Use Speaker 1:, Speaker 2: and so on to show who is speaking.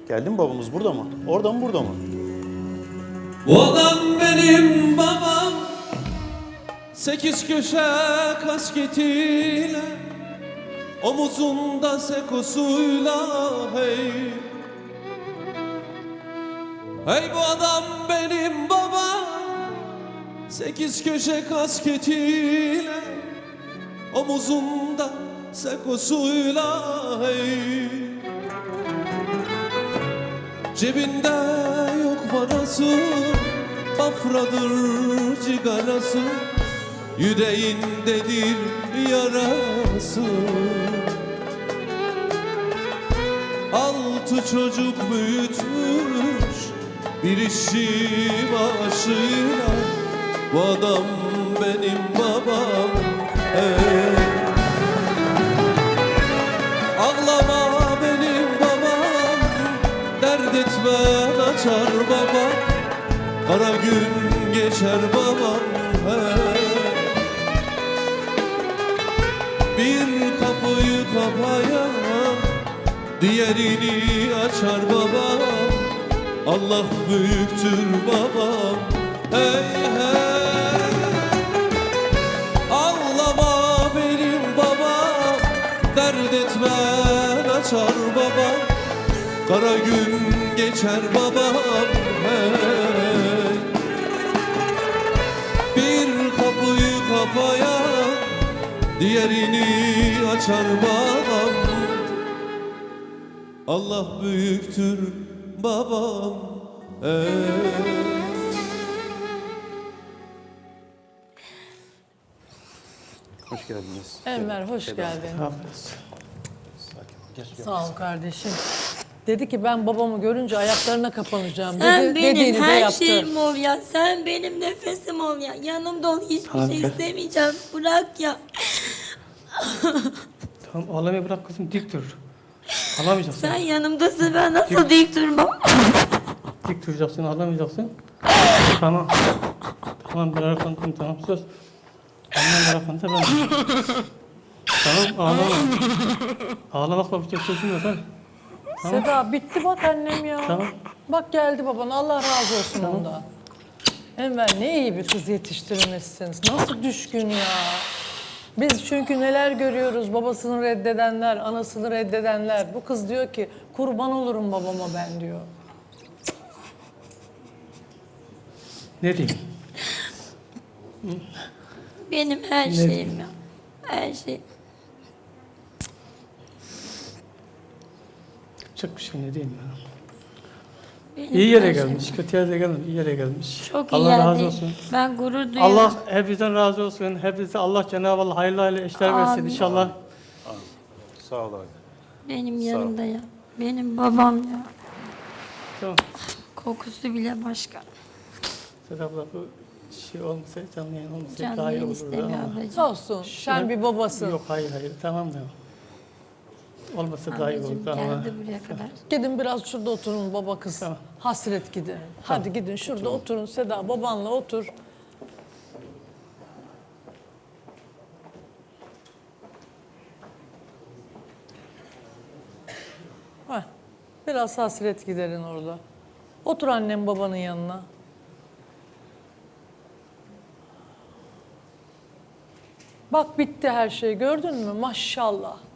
Speaker 1: Geldi mi babamız, burada mı? Orada mı, burada mı?
Speaker 2: Bu adam benim babam, 8 köşe kasketiyle, omuzunda sekosuyla hey. Hey bu adam benim babam, 8 köşe kasketiyle, omuzunda sekosuyla hey. Cebinde yok parası, bafradır cigarası, yüreğindedir yarası. 6 çocuk büyütmüş bir işi başıyla, bu adam benim babam hey. Ağlama benim babam, dert etme açar babam, kara gün geçer babam hey. Bir kapıyı kapayan diğerini açar babam, Allah büyüktür babam hey hey. Ağlama benim babam, dert etme açar babam, kara gün geçer babam hey. Bir kapıyı kapayan diğerini açar babam, Allah büyüktür babam hey.
Speaker 1: Hoş geldiniz.
Speaker 3: Enver hoş geldin.
Speaker 1: Sakin ol. Gel.
Speaker 3: Sağ ol kardeşim. Dedi ki ben babamı görünce ayaklarına kapanacağım
Speaker 4: Sen
Speaker 3: dedi.
Speaker 4: benim
Speaker 3: Dediğini de
Speaker 4: her
Speaker 3: yaptı.
Speaker 4: şeyim ol ya. Sen benim nefesim ol ya. Yanımda ol. Hiçbir şey istemeyeceğim. Bırak ya.
Speaker 5: Tamam ağlamayı bırak kızım, dik dur. Ağlamayacaksın.
Speaker 4: Sen yanımdasın. Ben nasıl dik durmam?
Speaker 5: Dik duracaksın, ağlamayacaksın. Tamam. Tamam, ben arkandayım, tamam, söz. Annen arkanda, ben. Tamam, ağlama. Ağlamakla bir şey çözülmez ha. Tamam.
Speaker 3: Seda bitti bak annem ya.
Speaker 5: Tamam.
Speaker 3: Bak geldi baban, Allah razı olsun ondan. Enver ne iyi bir kız yetiştirmişsiniz. Nasıl düşkün ya. Biz çünkü neler görüyoruz, babasını reddedenler, anasını reddedenler. Bu kız diyor ki kurban olurum babama ben diyor.
Speaker 5: Ne diyeyim?
Speaker 4: Benim her şeyim ya. Her şey.
Speaker 5: Çok bir şey, ne diyeyim ya.
Speaker 4: Benim
Speaker 5: İyi yere
Speaker 4: her şeyim.
Speaker 5: gelmiş, kötü yere gelmemiş, iyi yere gelmiş.
Speaker 4: Çok iyi
Speaker 5: Allah razı
Speaker 4: yerde.
Speaker 5: olsun.
Speaker 4: Ben gurur duyuyorum.
Speaker 5: Allah hepinizden razı olsun. Hepinize Allah Cenab-ı Allah hayırlı eşler versin
Speaker 4: Amin.
Speaker 5: inşallah.
Speaker 1: Sağ ol abi.
Speaker 4: Benim yanımda ya. Benim babam ya.
Speaker 5: Tamam.
Speaker 4: Kokusu bile başka.
Speaker 5: Seda abla bu şey olmasa, canlı yayın olmasa
Speaker 4: Canlı
Speaker 5: daha iyi
Speaker 4: yayın
Speaker 5: olurdu
Speaker 4: istemiyor
Speaker 5: ama.
Speaker 4: ablacığım.
Speaker 3: Olsun, sen bir babasın.
Speaker 5: Yok hayır tamam da. Olmasa daha iyi
Speaker 4: Ablacığım
Speaker 5: olurdu ama.
Speaker 4: geldi buraya kadar.
Speaker 3: Gidin biraz şurada oturun baba kız.
Speaker 5: Tamam.
Speaker 3: Hasret gidin. Hadi gidin şurada oturun Seda, babanla otur. Heh, biraz hasret giderin orada. Otur annem babanın yanına. Bak bitti her şey, gördün mü? Maşallah.